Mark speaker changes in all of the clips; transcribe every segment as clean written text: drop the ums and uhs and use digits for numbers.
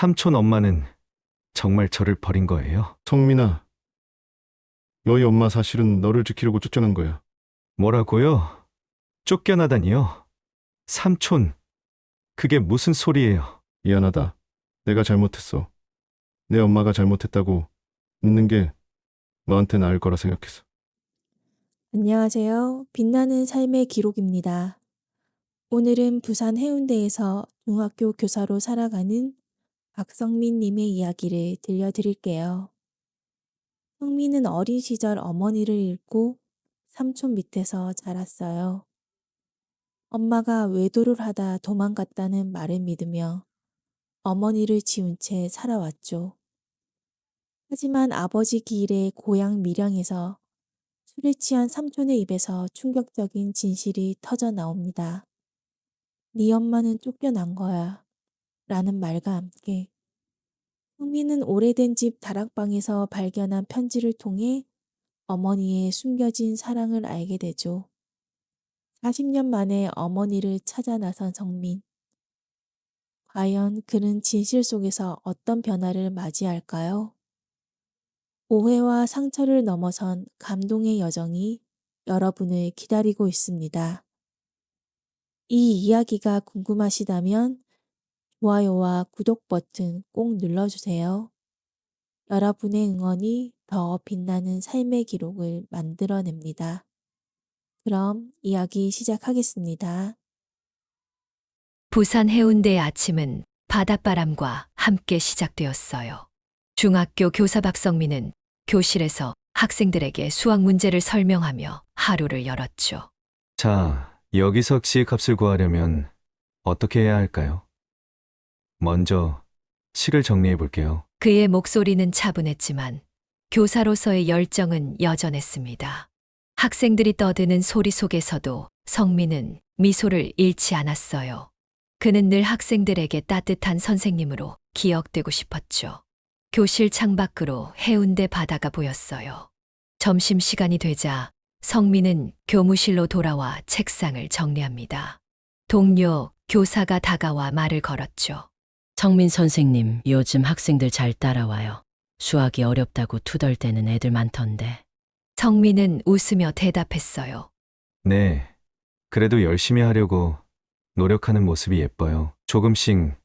Speaker 1: 삼촌 엄마는 정말 저를 버린 거예요?
Speaker 2: 성민아, 너희 엄마 사실은 너를 지키려고 쫓겨난 거야.
Speaker 1: 뭐라고요? 쫓겨나다니요? 삼촌, 그게 무슨 소리예요?
Speaker 2: 미안하다. 내가 잘못했어. 내 엄마가 잘못했다고 믿는 게 너한테 나을 거라 생각했어.
Speaker 3: 안녕하세요. 빛나는 삶의 기록입니다. 오늘은 부산 해운대에서 중학교 교사로 살아가는 박성민 님의 이야기를 들려드릴게요. 성민은 어린 시절 어머니를 잃고 삼촌 밑에서 자랐어요. 엄마가 외도를 하다 도망갔다는 말을 믿으며 어머니를 지운 채 살아왔죠. 하지만 아버지 기일에 고향 밀양에서 술에 취한 삼촌의 입에서 충격적인 진실이 터져 나옵니다. 네 엄마는 쫓겨난 거야. 라는 말과 함께 성민은 오래된 집 다락방에서 발견한 편지를 통해 어머니의 숨겨진 사랑을 알게 되죠. 40년 만에 어머니를 찾아 나선 성민. 과연 그는 진실 속에서 어떤 변화를 맞이할까요? 오해와 상처를 넘어선 감동의 여정이 여러분을 기다리고 있습니다. 이 이야기가 궁금하시다면 좋아요와 구독 버튼 꼭 눌러주세요. 여러분의 응원이 더 빛나는 삶의 기록을 만들어냅니다. 그럼 이야기 시작하겠습니다.
Speaker 4: 부산 해운대의 아침은 바닷바람과 함께 시작되었어요. 중학교 교사 박성민은 교실에서 학생들에게 수학 문제를 설명하며 하루를 열었죠.
Speaker 1: 자, 여기서 x의 값을 구하려면 어떻게 해야 할까요? 먼저 식을 정리해 볼게요.
Speaker 4: 그의 목소리는 차분했지만 교사로서의 열정은 여전했습니다. 학생들이 떠드는 소리 속에서도 성민은 미소를 잃지 않았어요. 그는 늘 학생들에게 따뜻한 선생님으로 기억되고 싶었죠. 교실 창밖으로 해운대 바다가 보였어요. 점심시간이 되자 성민은 교무실로 돌아와 책상을 정리합니다. 동료 교사가 다가와 말을 걸었죠.
Speaker 5: 성민 선생님, 요즘 학생들 잘 따라와요. 수학이 어렵다고 투덜대는 애들 많던데.
Speaker 4: 성민은 웃으며 대답했어요.
Speaker 1: 네, 그래도 열심히 하려고 노력하는 모습이 예뻐요. 조금씩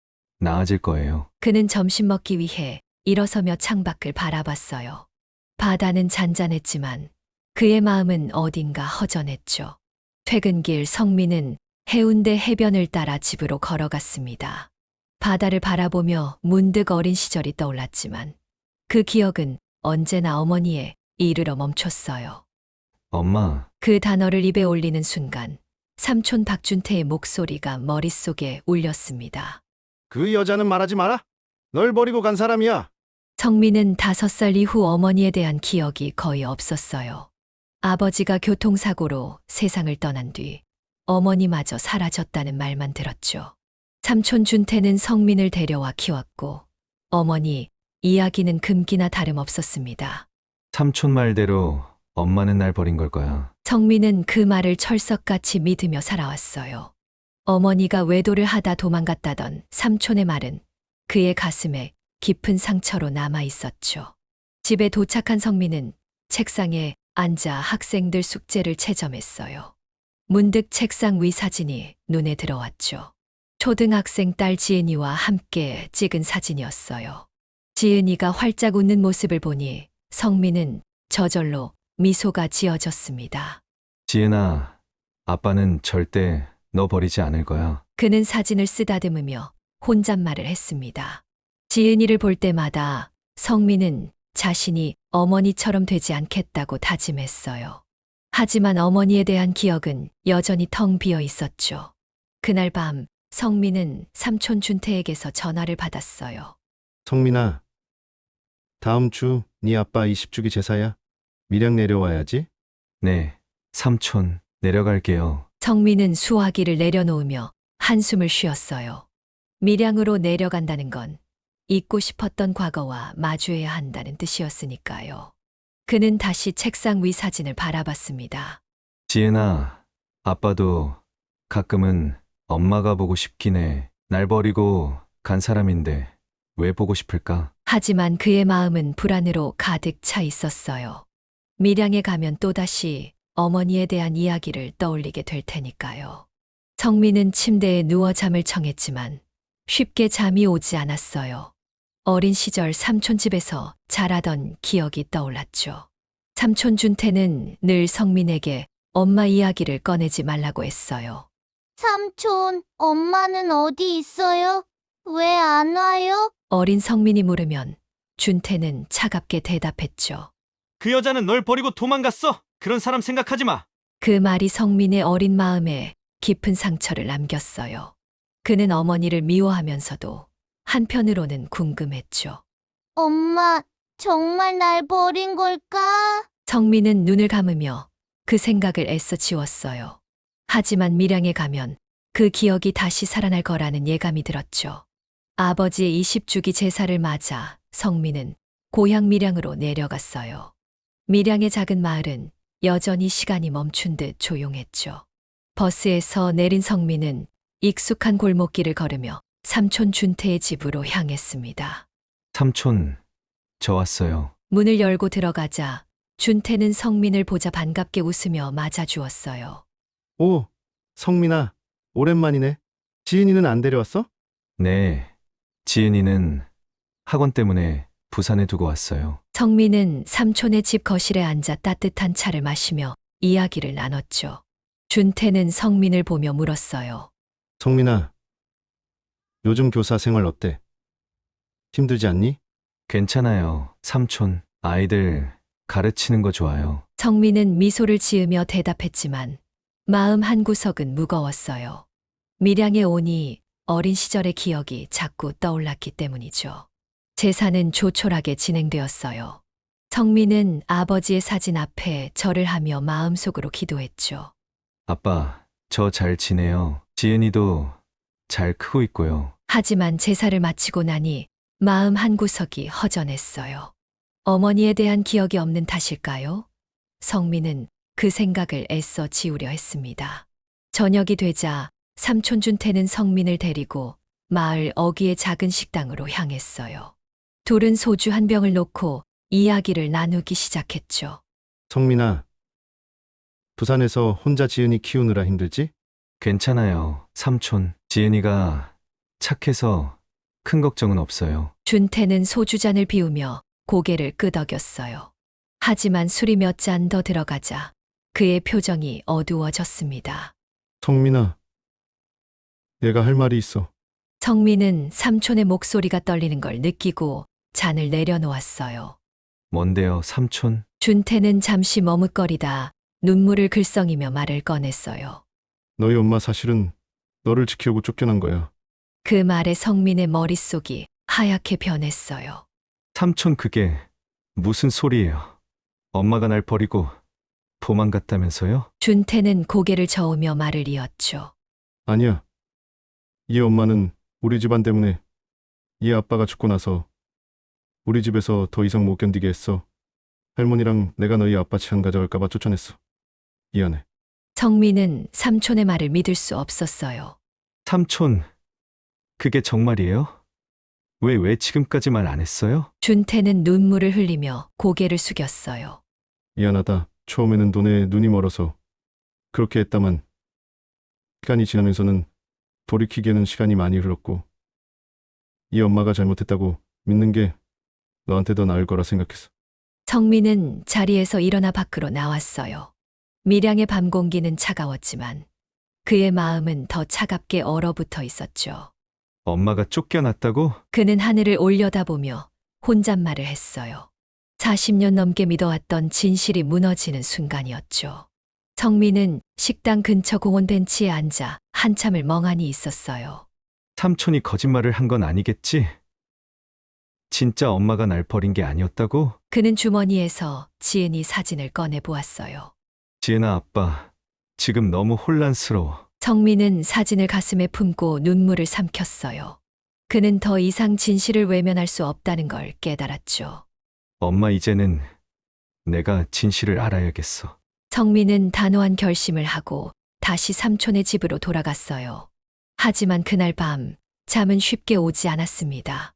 Speaker 1: 나아질 거예요.
Speaker 4: 그는 점심 먹기 위해 일어서며 창밖을 바라봤어요. 바다는 잔잔했지만 그의 마음은 어딘가 허전했죠. 퇴근길 성민은 해운대 해변을 따라 집으로 걸어갔습니다. 바다를 바라보며 문득 어린 시절이 떠올랐지만 그 기억은 언제나 어머니에 이르러 멈췄어요.
Speaker 1: 엄마,
Speaker 4: 그 단어를 입에 올리는 순간 삼촌 박준태의 목소리가 머릿속에 울렸습니다.
Speaker 2: 그 여자는 말하지 마라. 널 버리고 간 사람이야.
Speaker 4: 성민은 5살 이후 어머니에 대한 기억이 거의 없었어요. 아버지가 교통사고로 세상을 떠난 뒤 어머니마저 사라졌다는 말만 들었죠. 삼촌 준태는 성민을 데려와 키웠고 어머니 이야기는 금기나 다름없었습니다.
Speaker 1: 삼촌 말대로 엄마는 날 버린 걸 거야.
Speaker 4: 성민은 그 말을 철석같이 믿으며 살아왔어요. 어머니가 외도를 하다 도망갔다던 삼촌의 말은 그의 가슴에 깊은 상처로 남아 있었죠. 집에 도착한 성민은 책상에 앉아 학생들 숙제를 채점했어요. 문득 책상 위 사진이 눈에 들어왔죠. 초등학생 딸 지은이와 함께 찍은 사진이었어요. 지은이가 활짝 웃는 모습을 보니 성민은 저절로 미소가 지어졌습니다.
Speaker 1: 지은아, 아빠는 절대 너 버리지 않을 거야.
Speaker 4: 그는 사진을 쓰다듬으며 혼잣말을 했습니다. 지은이를 볼 때마다 성민은 자신이 어머니처럼 되지 않겠다고 다짐했어요. 하지만 어머니에 대한 기억은 여전히 텅 비어 있었죠. 그날 밤 성민은 삼촌 준태에게서 전화를 받았어요.
Speaker 2: 성민아, 다음 주 네 아빠 20주기 제사야. 밀양 내려와야지.
Speaker 1: 네, 삼촌, 내려갈게요.
Speaker 4: 성민은 수화기를 내려놓으며 한숨을 쉬었어요. 밀양으로 내려간다는 건 잊고 싶었던 과거와 마주해야 한다는 뜻이었으니까요. 그는 다시 책상 위 사진을 바라봤습니다.
Speaker 1: 지은아, 아빠도 가끔은 엄마가 보고 싶긴 해. 날 버리고 간 사람인데 왜 보고 싶을까?
Speaker 4: 하지만 그의 마음은 불안으로 가득 차 있었어요. 밀양에 가면 또다시 어머니에 대한 이야기를 떠올리게 될 테니까요. 성민은 침대에 누워 잠을 청했지만 쉽게 잠이 오지 않았어요. 어린 시절 삼촌 집에서 자라던 기억이 떠올랐죠. 삼촌 준태는 늘 성민에게 엄마 이야기를 꺼내지 말라고 했어요.
Speaker 6: 삼촌, 엄마는 어디 있어요? 왜 안 와요?
Speaker 4: 어린 성민이 물으면 준태는 차갑게 대답했죠.
Speaker 7: 그 여자는 널 버리고 도망갔어. 그런 사람 생각하지 마.
Speaker 4: 그 말이 성민의 어린 마음에 깊은 상처를 남겼어요. 그는 어머니를 미워하면서도 한편으로는 궁금했죠.
Speaker 6: 엄마, 정말 날 버린 걸까?
Speaker 4: 성민은 눈을 감으며 그 생각을 애써 지웠어요. 하지만 밀양에 가면 그 기억이 다시 살아날 거라는 예감이 들었죠. 아버지의 20주기 제사를 맞아 성민은 고향 밀양으로 내려갔어요. 밀양의 작은 마을은 여전히 시간이 멈춘 듯 조용했죠. 버스에서 내린 성민은 익숙한 골목길을 걸으며 삼촌 준태의 집으로 향했습니다.
Speaker 1: 삼촌, 저 왔어요.
Speaker 4: 문을 열고 들어가자 준태는 성민을 보자 반갑게 웃으며 맞아주었어요.
Speaker 2: 오, 성민아, 오랜만이네. 지은이는 안 데려왔어?
Speaker 1: 네, 지은이는 학원 때문에 부산에 두고 왔어요.
Speaker 4: 성민은 삼촌의 집 거실에 앉아 따뜻한 차를 마시며 이야기를 나눴죠. 준태는 성민을 보며 물었어요.
Speaker 2: 성민아, 요즘 교사 생활 어때? 힘들지 않니?
Speaker 1: 괜찮아요, 삼촌. 아이들 가르치는 거 좋아요.
Speaker 4: 성민은 미소를 지으며 대답했지만 마음 한구석은 무거웠어요. 밀양에 오니 어린 시절의 기억이 자꾸 떠올랐기 때문이죠. 제사는 조촐하게 진행되었어요. 성민은 아버지의 사진 앞에 절을 하며 마음속으로 기도했죠.
Speaker 1: 아빠, 저 잘 지내요. 지은이도 잘 크고 있고요.
Speaker 4: 하지만 제사를 마치고 나니 마음 한구석이 허전했어요. 어머니에 대한 기억이 없는 탓일까요? 성민은 그 생각을 애써 지우려 했습니다. 저녁이 되자 삼촌 준태는 성민을 데리고 마을 어귀의 작은 식당으로 향했어요. 둘은 소주 한 병을 놓고 이야기를 나누기 시작했죠.
Speaker 2: 성민아, 부산에서 혼자 지은이 키우느라 힘들지?
Speaker 1: 괜찮아요, 삼촌. 지은이가 착해서 큰 걱정은 없어요.
Speaker 4: 준태는 소주잔을 비우며 고개를 끄덕였어요. 하지만 술이 몇 잔 더 들어가자 그의 표정이 어두워졌습니다.
Speaker 2: 성민아, 내가 할 말이 있어.
Speaker 4: 성민은 삼촌의 목소리가 떨리는 걸 느끼고 잔을 내려놓았어요.
Speaker 1: 뭔데요, 삼촌?
Speaker 4: 준태는 잠시 머뭇거리다 눈물을 글썽이며 말을 꺼냈어요.
Speaker 2: 너희 엄마 사실은 너를 지키려고 쫓겨난 거야.
Speaker 4: 그 말에 성민의 머릿속이 하얗게 변했어요.
Speaker 1: 삼촌, 그게 무슨 소리예요? 엄마가 날 버리고 도망갔다면서요?
Speaker 4: 준태는 고개를 저으며 말을 이었죠.
Speaker 2: 아니야. 이 엄마는 우리 집안 때문에 이 아빠가 죽고 나서 우리 집에서 더 이상 못 견디게 했어. 할머니랑 내가 너희 아빠 치안 가져갈까봐 쫓아냈어. 미안해.
Speaker 4: 성민은 삼촌의 말을 믿을 수 없었어요.
Speaker 1: 삼촌, 그게 정말이에요? 왜 지금까지 말 안 했어요?
Speaker 4: 준태는 눈물을 흘리며 고개를 숙였어요.
Speaker 2: 미안하다. 처음에는 돈에 눈이 멀어서 그렇게 했다만 시간이 지나면서는 돌이키기에는 시간이 많이 흘렀고 이 엄마가 잘못했다고 믿는 게 너한테 더 나을 거라 생각했어.
Speaker 4: 성민은 자리에서 일어나 밖으로 나왔어요. 밀양의 밤 공기는 차가웠지만 그의 마음은 더 차갑게 얼어붙어 있었죠.
Speaker 1: 엄마가 쫓겨났다고?
Speaker 4: 그는 하늘을 올려다보며 혼잣말을 했어요. 40년 넘게 믿어왔던 진실이 무너지는 순간이었죠. 성민은 식당 근처 공원 벤치에 앉아 한참을 멍하니 있었어요.
Speaker 1: 삼촌이 거짓말을 한 건 아니겠지? 진짜 엄마가 날 버린 게 아니었다고?
Speaker 4: 그는 주머니에서 지은이 사진을 꺼내 보았어요.
Speaker 1: 지은아, 아빠, 지금 너무 혼란스러워.
Speaker 4: 성민은 사진을 가슴에 품고 눈물을 삼켰어요. 그는 더 이상 진실을 외면할 수 없다는 걸 깨달았죠.
Speaker 1: 엄마, 이제는 내가 진실을 알아야겠어.
Speaker 4: 성민은 단호한 결심을 하고 다시 삼촌의 집으로 돌아갔어요. 하지만 그날 밤 잠은 쉽게 오지 않았습니다.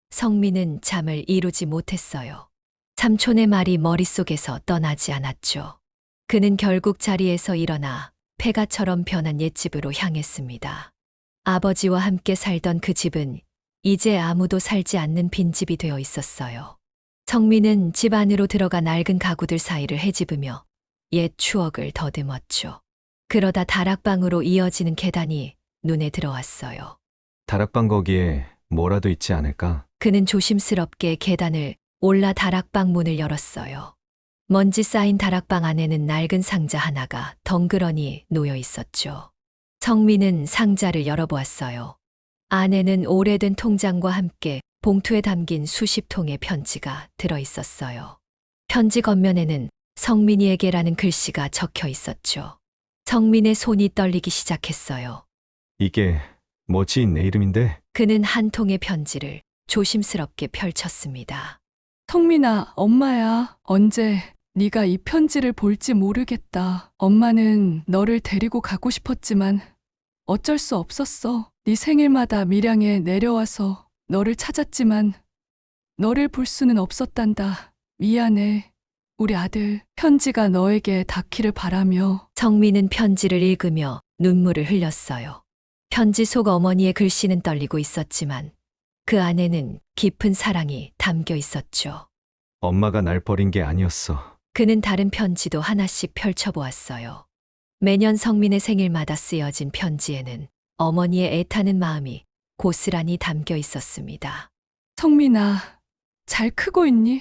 Speaker 4: 성민은 잠을 이루지 못했어요. 삼촌의 말이 머릿속에서 떠나지 않았죠. 그는 결국 자리에서 일어나 폐가처럼 변한 옛집으로 향했습니다. 아버지와 함께 살던 그 집은 이제 아무도 살지 않는 빈집이 되어 있었어요. 성민은 집 안으로 들어가 낡은 가구들 사이를 헤집으며 옛 추억을 더듬었죠. 그러다 다락방으로 이어지는 계단이 눈에 들어왔어요.
Speaker 1: 다락방 거기에 뭐라도 있지 않을까?
Speaker 4: 그는 조심스럽게 계단을 올라 다락방 문을 열었어요. 먼지 쌓인 다락방 안에는 낡은 상자 하나가 덩그러니 놓여 있었죠. 성민은 상자를 열어보았어요. 안에는 오래된 통장과 함께 봉투에 담긴 수십 통의 편지가 들어 있었어요. 편지 겉면에는 성민이에게라는 글씨가 적혀 있었죠. 성민의 손이 떨리기 시작했어요.
Speaker 1: 이게 뭐 지인 내 이름인데?
Speaker 4: 그는 한 통의 편지를 조심스럽게 펼쳤습니다.
Speaker 8: 성민아, 엄마야. 언제 네가 이 편지를 볼지 모르겠다. 엄마는 너를 데리고 가고 싶었지만 어쩔 수 없었어. 네 생일마다 밀양에 내려와서 너를 찾았지만 너를 볼 수는 없었단다. 미안해. 우리 아들, 편지가 너에게 닿기를 바라며.
Speaker 4: 성민은 편지를 읽으며 눈물을 흘렸어요. 편지 속 어머니의 글씨는 떨리고 있었지만 그 안에는 깊은 사랑이 담겨 있었죠.
Speaker 1: 엄마가 날 버린 게 아니었어.
Speaker 4: 그는 다른 편지도 하나씩 펼쳐보았어요. 매년 성민의 생일마다 쓰여진 편지에는 어머니의 애타는 마음이 고스란히 담겨 있었습니다.
Speaker 8: 성민아, 잘 크고 있니?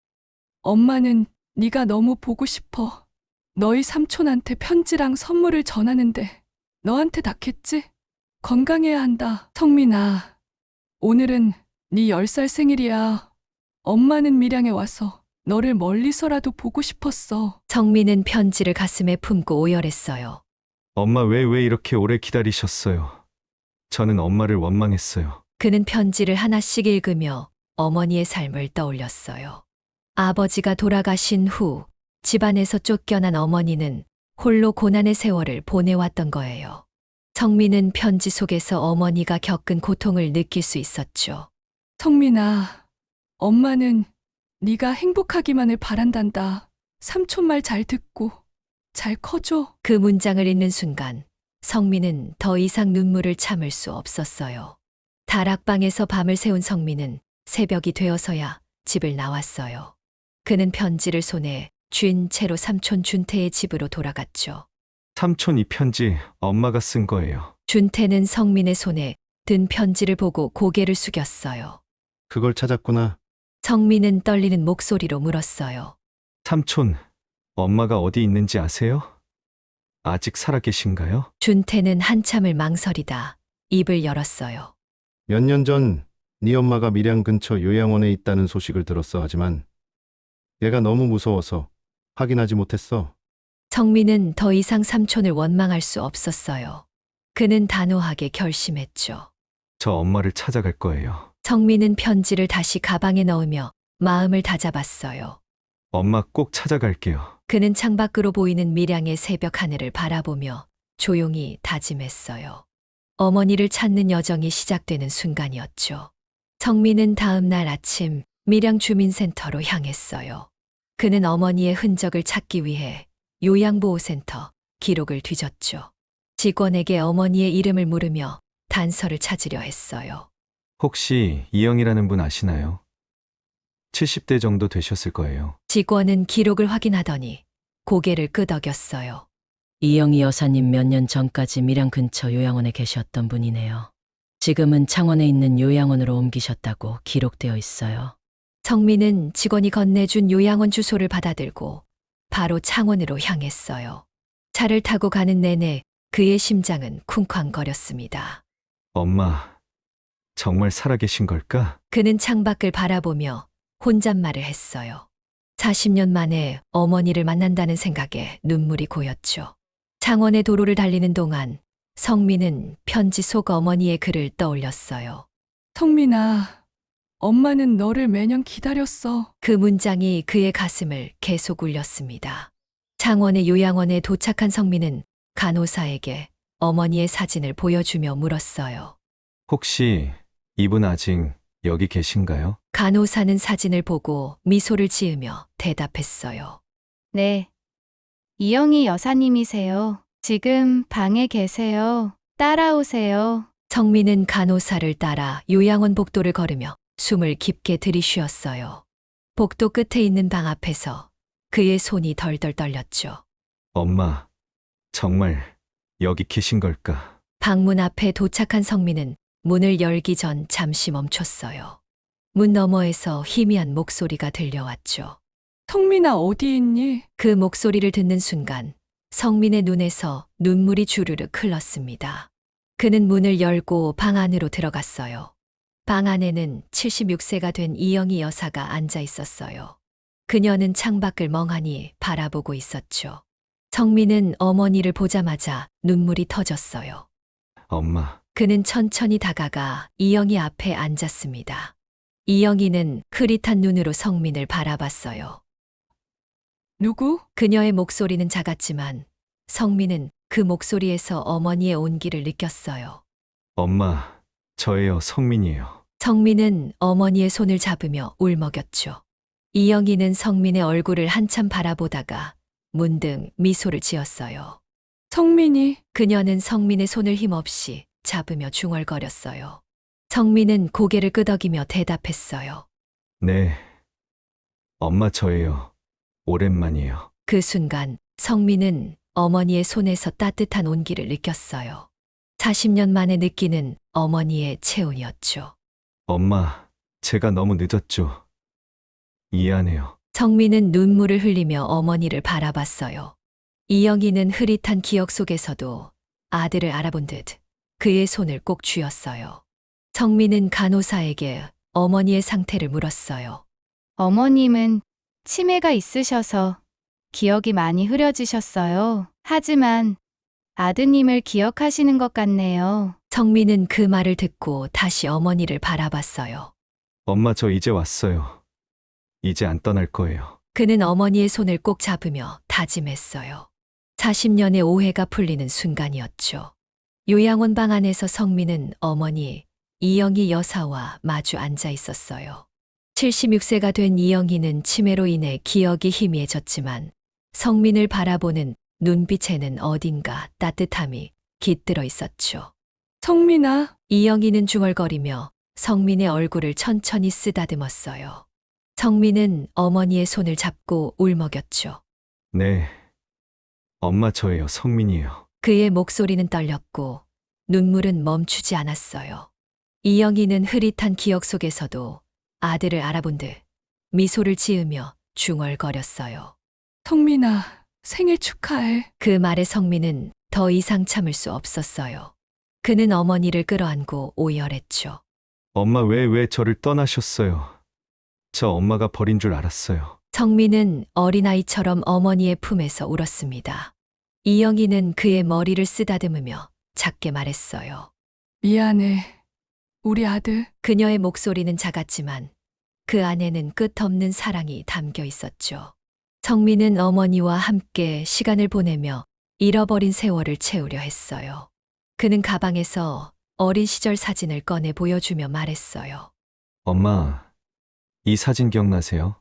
Speaker 8: 엄마는 네가 너무 보고 싶어. 너희 삼촌한테 편지랑 선물을 전하는데 너한테 닿겠지? 건강해야 한다. 성민아, 오늘은 네 10살 생일이야. 엄마는 밀양에 와서 너를 멀리서라도 보고 싶었어.
Speaker 4: 성민은 편지를 가슴에 품고 오열했어요.
Speaker 1: 엄마 왜 이렇게 오래 기다리셨어요? 저는 엄마를 원망했어요.
Speaker 4: 그는 편지를 하나씩 읽으며 어머니의 삶을 떠올렸어요. 아버지가 돌아가신 후 집안에서 쫓겨난 어머니는 홀로 고난의 세월을 보내왔던 거예요. 성민은 편지 속에서 어머니가 겪은 고통을 느낄 수 있었죠.
Speaker 8: 성민아, 엄마는 네가 행복하기만을 바란단다. 삼촌 말 잘 듣고 잘 커줘.
Speaker 4: 그 문장을 읽는 순간 성민은 더 이상 눈물을 참을 수 없었어요. 다락방에서 밤을 새운 성민은 새벽이 되어서야 집을 나왔어요. 그는 편지를 손에 쥔 채로 삼촌 준태의 집으로 돌아갔죠.
Speaker 1: 삼촌 이 편지 엄마가 쓴 거예요.
Speaker 4: 준태는 성민의 손에 든 편지를 보고 고개를 숙였어요.
Speaker 2: 그걸 찾았구나.
Speaker 4: 성민은 떨리는 목소리로 물었어요.
Speaker 1: 삼촌, 엄마가 어디 있는지 아세요? 아직 살아계신가요?
Speaker 4: 준태는 한참을 망설이다 입을 열었어요.
Speaker 2: 몇 년 전 네 엄마가 밀양 근처 요양원에 있다는 소식을 들었어. 하지만 얘가 너무 무서워서 확인하지 못했어.
Speaker 4: 성민은 더 이상 삼촌을 원망할 수 없었어요. 그는 단호하게 결심했죠.
Speaker 1: 저 엄마를 찾아갈 거예요.
Speaker 4: 성민은 편지를 다시 가방에 넣으며 마음을 다잡았어요.
Speaker 1: 엄마 꼭 찾아갈게요.
Speaker 4: 그는 창밖으로 보이는 밀양의 새벽 하늘을 바라보며 조용히 다짐했어요. 어머니를 찾는 여정이 시작되는 순간이었죠. 성민은 다음 날 아침 밀양 주민센터로 향했어요. 그는 어머니의 흔적을 찾기 위해 요양보호센터 기록을 뒤졌죠. 직원에게 어머니의 이름을 물으며 단서를 찾으려 했어요.
Speaker 1: 혹시 이영이라는 분 아시나요? 70대 정도 되셨을 거예요.
Speaker 4: 직원은 기록을 확인하더니 고개를 끄덕였어요.
Speaker 5: 이영희 여사님 몇 년 전까지 밀양 근처 요양원에 계셨던 분이네요. 지금은 창원에 있는 요양원으로 옮기셨다고 기록되어 있어요.
Speaker 4: 성민은 직원이 건네준 요양원 주소를 받아들고 바로 창원으로 향했어요. 차를 타고 가는 내내 그의 심장은 쿵쾅거렸습니다.
Speaker 1: 엄마, 정말 살아계신 걸까?
Speaker 4: 그는 창밖을 바라보며 혼잣말을 했어요. 40년 만에 어머니를 만난다는 생각에 눈물이 고였죠. 창원의 도로를 달리는 동안 성민은 편지 속 어머니의 글을 떠올렸어요.
Speaker 8: 성민아, 엄마는 너를 매년 기다렸어.
Speaker 4: 그 문장이 그의 가슴을 계속 울렸습니다. 창원의 요양원에 도착한 성민은 간호사에게 어머니의 사진을 보여주며 물었어요.
Speaker 1: 혹시 이분 아직 여기 계신가요?
Speaker 4: 간호사는 사진을 보고 미소를 지으며 대답했어요.
Speaker 9: 네. 이영희 여사님이세요. 지금 방에 계세요. 따라오세요.
Speaker 4: 성민은 간호사를 따라 요양원 복도를 걸으며 숨을 깊게 들이쉬었어요. 복도 끝에 있는 방 앞에서 그의 손이 덜덜 떨렸죠.
Speaker 1: 엄마, 정말 여기 계신 걸까?
Speaker 4: 방문 앞에 도착한 성민은 문을 열기 전 잠시 멈췄어요. 문 너머에서 희미한 목소리가 들려왔죠.
Speaker 8: 성민아, 어디 있니?
Speaker 4: 그 목소리를 듣는 순간 성민의 눈에서 눈물이 주르륵 흘렀습니다. 그는 문을 열고 방 안으로 들어갔어요. 방 안에는 76세가 된 이영희 여사가 앉아 있었어요. 그녀는 창밖을 멍하니 바라보고 있었죠. 성민은 어머니를 보자마자 눈물이 터졌어요.
Speaker 1: 엄마,
Speaker 4: 그는 천천히 다가가 이영희 앞에 앉았습니다. 이영희는 흐릿한 눈으로 성민을 바라봤어요.
Speaker 8: 누구?
Speaker 4: 그녀의 목소리는 작았지만 성민은 그 목소리에서 어머니의 온기를 느꼈어요.
Speaker 1: 엄마, 저예요, 성민이에요.
Speaker 4: 성민은 어머니의 손을 잡으며 울먹였죠. 이영희는 성민의 얼굴을 한참 바라보다가 문득 미소를 지었어요.
Speaker 8: 성민이.
Speaker 4: 그녀는 성민의 손을 힘없이 잡으며 중얼거렸어요. 성민은 고개를 끄덕이며 대답했어요.
Speaker 1: 네. 엄마, 저예요. 오랜만이에요.
Speaker 4: 그 순간 성민은 어머니의 손에서 따뜻한 온기를 느꼈어요. 40년 만에 느끼는 어머니의 체온이었죠.
Speaker 1: 엄마, 제가 너무 늦었죠. 미안해요.
Speaker 4: 성민은 눈물을 흘리며 어머니를 바라봤어요. 이영희는 흐릿한 기억 속에서도 아들을 알아본 듯 그의 손을 꼭 쥐었어요. 성민은 간호사에게 어머니의 상태를 물었어요.
Speaker 9: 어머님은 치매가 있으셔서 기억이 많이 흐려지셨어요. 하지만 아드님을 기억하시는 것 같네요.
Speaker 4: 성민은 그 말을 듣고 다시 어머니를 바라봤어요.
Speaker 1: 엄마, 저 이제 왔어요. 이제 안 떠날 거예요.
Speaker 4: 그는 어머니의 손을 꼭 잡으며 다짐했어요. 40년의 오해가 풀리는 순간이었죠. 요양원 방 안에서 성민은 어머니 이영희 여사와 마주 앉아 있었어요. 76세가 된 이영희는 치매로 인해 기억이 희미해졌지만 성민을 바라보는 눈빛에는 어딘가 따뜻함이 깃들어 있었죠.
Speaker 8: 성민아.
Speaker 4: 이영희는 중얼거리며 성민의 얼굴을 천천히 쓰다듬었어요. 성민은 어머니의 손을 잡고 울먹였죠.
Speaker 1: 네. 엄마, 저예요, 성민이에요.
Speaker 4: 그의 목소리는 떨렸고 눈물은 멈추지 않았어요. 이영희는 흐릿한 기억 속에서도 아들을 알아본 듯 미소를 지으며 중얼거렸어요.
Speaker 8: 성민아, 생일 축하해.
Speaker 4: 그 말에 성민은 더 이상 참을 수 없었어요. 그는 어머니를 끌어안고 오열했죠.
Speaker 1: 엄마, 왜 저를 떠나셨어요? 저 엄마가 버린 줄 알았어요.
Speaker 4: 성민은 어린아이처럼 어머니의 품에서 울었습니다. 이영희는 그의 머리를 쓰다듬으며 작게 말했어요.
Speaker 8: 미안해. 우리 아들.
Speaker 4: 그녀의 목소리는 작았지만 그 안에는 끝없는 사랑이 담겨 있었죠. 성민은 어머니와 함께 시간을 보내며 잃어버린 세월을 채우려 했어요. 그는 가방에서 어린 시절 사진을 꺼내 보여주며 말했어요.
Speaker 1: 엄마, 이 사진 기억나세요?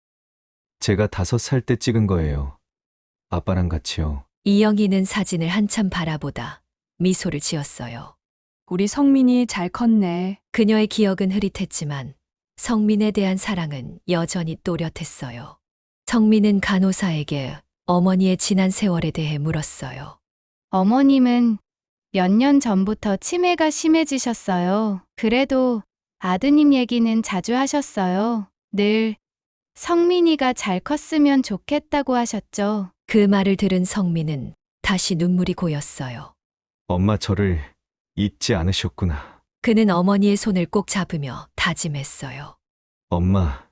Speaker 1: 제가 5살 때 찍은 거예요. 아빠랑 같이요.
Speaker 4: 이영희는 사진을 한참 바라보다 미소를 지었어요.
Speaker 8: 우리 성민이 잘 컸네.
Speaker 4: 그녀의 기억은 흐릿했지만 성민에 대한 사랑은 여전히 또렷했어요. 성민은 간호사에게 어머니의 지난 세월에 대해 물었어요.
Speaker 9: 어머님은 몇 년 전부터 치매가 심해지셨어요. 그래도 아드님 얘기는 자주 하셨어요. 늘 성민이가 잘 컸으면 좋겠다고 하셨죠.
Speaker 4: 그 말을 들은 성민은 다시 눈물이 고였어요.
Speaker 1: 엄마, 저를 잊지 않으셨구나.
Speaker 4: 그는 어머니의 손을 꼭 잡으며 다짐했어요.
Speaker 1: 엄마,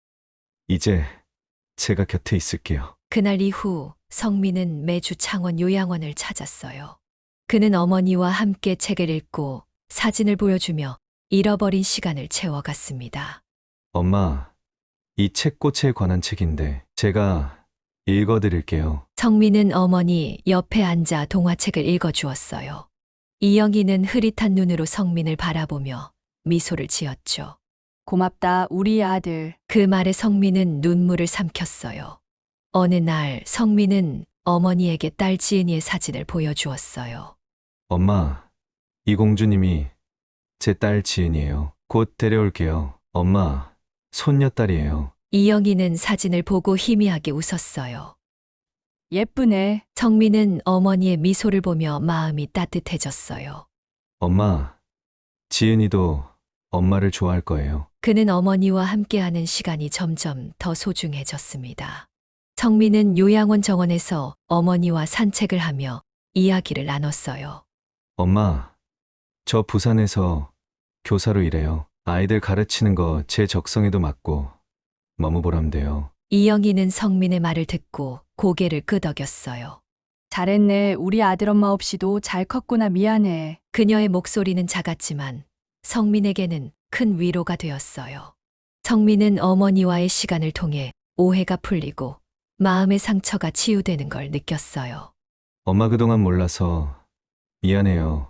Speaker 1: 이제 제가 곁에 있을게요.
Speaker 4: 그날 이후 성민은 매주 창원 요양원을 찾았어요. 그는 어머니와 함께 책을 읽고 사진을 보여주며 잃어버린 시간을 채워갔습니다.
Speaker 1: 엄마, 이 책 꽃에 관한 책인데 제가 읽어드릴게요.
Speaker 4: 성민은 어머니 옆에 앉아 동화책을 읽어주었어요. 이영희는 흐릿한 눈으로 성민을 바라보며 미소를 지었죠.
Speaker 8: 고맙다, 우리 아들.
Speaker 4: 그 말에 성민은 눈물을 삼켰어요. 어느 날 성민은 어머니에게 딸 지은이의 사진을 보여주었어요.
Speaker 1: 엄마, 이공주님이 제 딸 지은이에요. 곧 데려올게요. 엄마, 손녀딸이에요.
Speaker 4: 이영희는 사진을 보고 희미하게 웃었어요.
Speaker 8: 예쁘네.
Speaker 4: 성민은 어머니의 미소를 보며 마음이 따뜻해졌어요.
Speaker 1: 엄마, 지은이도 엄마를 좋아할 거예요.
Speaker 4: 그는 어머니와 함께하는 시간이 점점 더 소중해졌습니다. 성민은 요양원 정원에서 어머니와 산책을 하며 이야기를 나눴어요.
Speaker 1: 엄마, 저 부산에서 교사로 일해요. 아이들 가르치는 거 제 적성에도 맞고 너무 보람돼요.
Speaker 4: 이영희는 성민의 말을 듣고 고개를 끄덕였어요.
Speaker 8: 잘했네. 우리 아들엄마 없이도 잘 컸구나. 미안해.
Speaker 4: 그녀의 목소리는 작았지만 성민에게는 큰 위로가 되었어요. 성민은 어머니와의 시간을 통해 오해가 풀리고 마음의 상처가 치유되는 걸 느꼈어요.
Speaker 1: 엄마 그동안 몰라서 미안해요.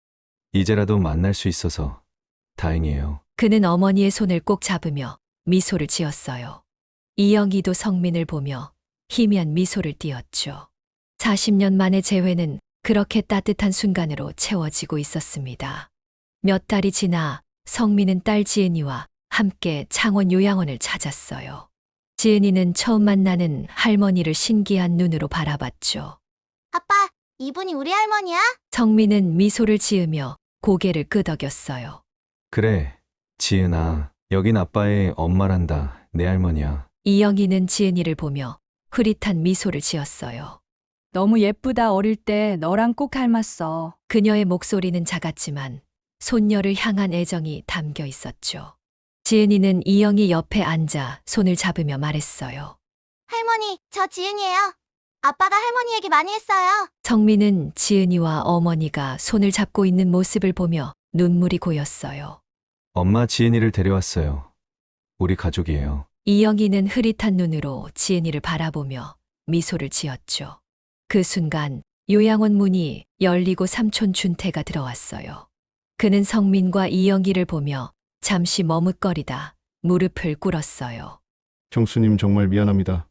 Speaker 1: 이제라도 만날 수 있어서 다행이에요.
Speaker 4: 그는 어머니의 손을 꼭 잡으며 미소를 지었어요. 이영희도 성민을 보며 희미한 미소를 띄었죠. 40년 만의 재회는 그렇게 따뜻한 순간으로 채워지고 있었습니다. 몇 달이 지나 성민은 딸 지은이와 함께 창원 요양원을 찾았어요. 지은이는 처음 만나는 할머니를 신기한 눈으로 바라봤죠.
Speaker 6: 아빠, 이분이 우리 할머니야?
Speaker 4: 성민은 미소를 지으며 고개를 끄덕였어요.
Speaker 1: 그래, 지은아. 여긴 아빠의 엄마란다. 내 할머니야.
Speaker 4: 이영희는 지은이를 보며 흐릿한 미소를 지었어요.
Speaker 8: 너무 예쁘다. 어릴 때 너랑 꼭 닮았어.
Speaker 4: 그녀의 목소리는 작았지만 손녀를 향한 애정이 담겨 있었죠. 지은이는 이영희 옆에 앉아 손을 잡으며 말했어요.
Speaker 6: 할머니, 저 지은이에요. 아빠가 할머니 얘기 많이 했어요.
Speaker 4: 성민은 지은이와 어머니가 손을 잡고 있는 모습을 보며 눈물이 고였어요.
Speaker 1: 엄마 지은이를 데려왔어요. 우리 가족이에요.
Speaker 4: 이영희는 흐릿한 눈으로 지은이를 바라보며 미소를 지었죠. 그 순간 요양원 문이 열리고 삼촌 준태가 들어왔어요. 그는 성민과 이영희를 보며 잠시 머뭇거리다 무릎을 꿇었어요.
Speaker 2: 형수님 정말 미안합니다.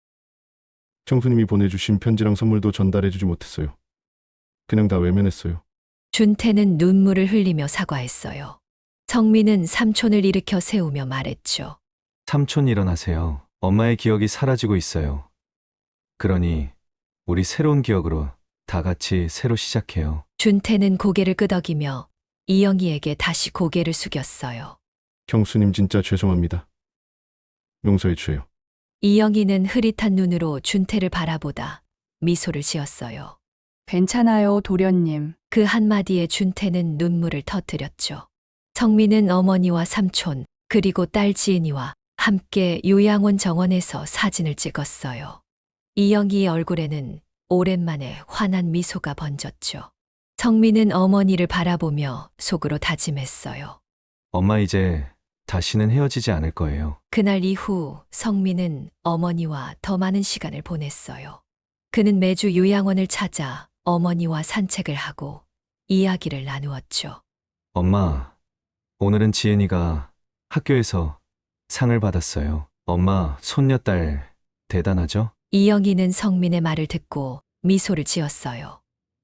Speaker 2: 형수님이 보내주신 편지랑 선물도 전달해주지 못했어요. 그냥 다 외면했어요.
Speaker 4: 준태는 눈물을 흘리며 사과했어요. 성민은 삼촌을 일으켜 세우며 말했죠.
Speaker 1: 삼촌 일어나세요. 엄마의 기억이 사라지고 있어요. 그러니 우리 새로운 기억으로 다 같이 새로 시작해요.
Speaker 4: 준태는 고개를 끄덕이며 이영희에게 다시 고개를 숙였어요.
Speaker 2: 형수님 진짜 죄송합니다. 용서해 주세요.
Speaker 4: 이영희는 흐릿한 눈으로 준태를 바라보다 미소를 지었어요.
Speaker 8: 괜찮아요, 도련님.
Speaker 4: 그 한마디에 준태는 눈물을 터뜨렸죠. 성민은 어머니와 삼촌, 그리고 딸 지은이와 함께 요양원 정원에서 사진을 찍었어요. 이영희의 얼굴에는 오랜만에 환한 미소가 번졌죠. 성민은 어머니를 바라보며 속으로 다짐했어요.
Speaker 1: 엄마 이제 다시는 헤어지지 않을 거예요.
Speaker 4: 그날 이후 성민은 어머니와 더 많은 시간을 보냈어요. 그는 매주 요양원을 찾아 어머니와 산책을 하고 이야기를 나누었죠.
Speaker 1: 엄마, 오늘은 지은이가 학교에서 상을 받았어요. 엄마, 손녀딸 대단하죠?
Speaker 4: 이영희는 성민의 말을 듣고 미소를 지었어요.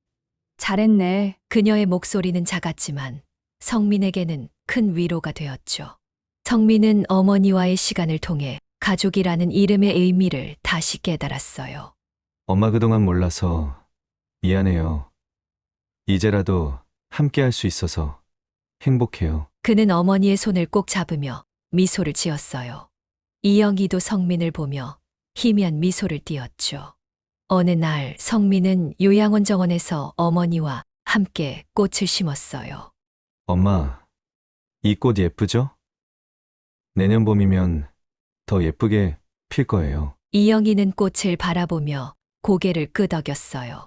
Speaker 8: 잘했네.
Speaker 4: 그녀의 목소리는 작았지만 성민에게는 큰 위로가 되었죠. 성민은 어머니와의 시간을 통해 가족이라는 이름의 의미를 다시 깨달았어요.
Speaker 1: 엄마 그동안 몰라서 미안해요. 이제라도 함께 할 수 있어서 행복해요.
Speaker 4: 그는 어머니의 손을 꼭 잡으며 미소를 지었어요. 이영희도 성민을 보며 희미한 미소를 띄었죠. 어느 날 성민은 요양원 정원에서 어머니와 함께 꽃을 심었어요.
Speaker 1: 엄마, 이 꽃 예쁘죠? 내년 봄이면 더 예쁘게 필 거예요.
Speaker 4: 이영희는 꽃을 바라보며 고개를 끄덕였어요.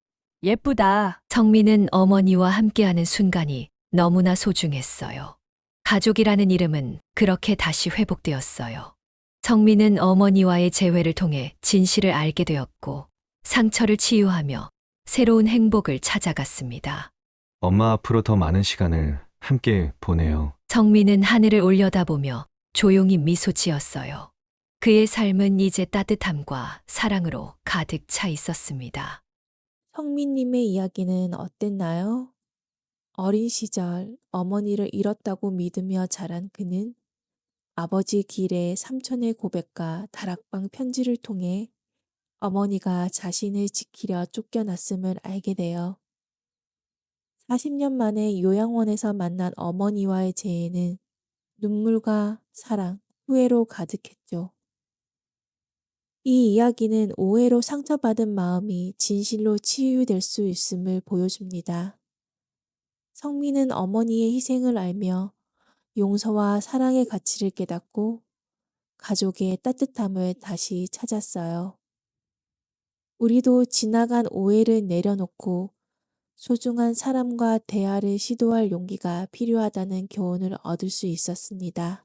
Speaker 8: 예쁘다.
Speaker 4: 성민은 어머니와 함께하는 순간이 너무나 소중했어요. 가족이라는 이름은 그렇게 다시 회복되었어요. 성민은 어머니와의 재회를 통해 진실을 알게 되었고 상처를 치유하며 새로운 행복을 찾아갔습니다.
Speaker 1: 엄마 앞으로 더 많은 시간을 함께 보내요.
Speaker 4: 성민은 하늘을 올려다보며 조용히 미소 지었어요. 그의 삶은 이제 따뜻함과 사랑으로 가득 차 있었습니다.
Speaker 3: 성민님의 이야기는 어땠나요? 어린 시절 어머니를 잃었다고 믿으며 자란 그는 아버지 길의 삼촌의 고백과 다락방 편지를 통해 어머니가 자신을 지키려 쫓겨났음을 알게 되어 40년 만에 요양원에서 만난 어머니와의 재회는 눈물과 사랑, 후회로 가득했죠. 이 이야기는 오해로 상처받은 마음이 진실로 치유될 수 있음을 보여줍니다. 성민은 어머니의 희생을 알며 용서와 사랑의 가치를 깨닫고 가족의 따뜻함을 다시 찾았어요. 우리도 지나간 오해를 내려놓고 소중한 사람과 대화를 시도할 용기가 필요하다는 교훈을 얻을 수 있었습니다.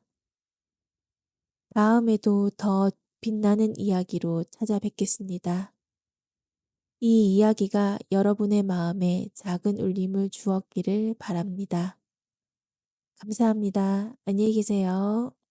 Speaker 3: 다음에도 더 빛나는 이야기로 찾아뵙겠습니다. 이 이야기가 여러분의 마음에 작은 울림을 주었기를 바랍니다. 감사합니다. 안녕히 계세요.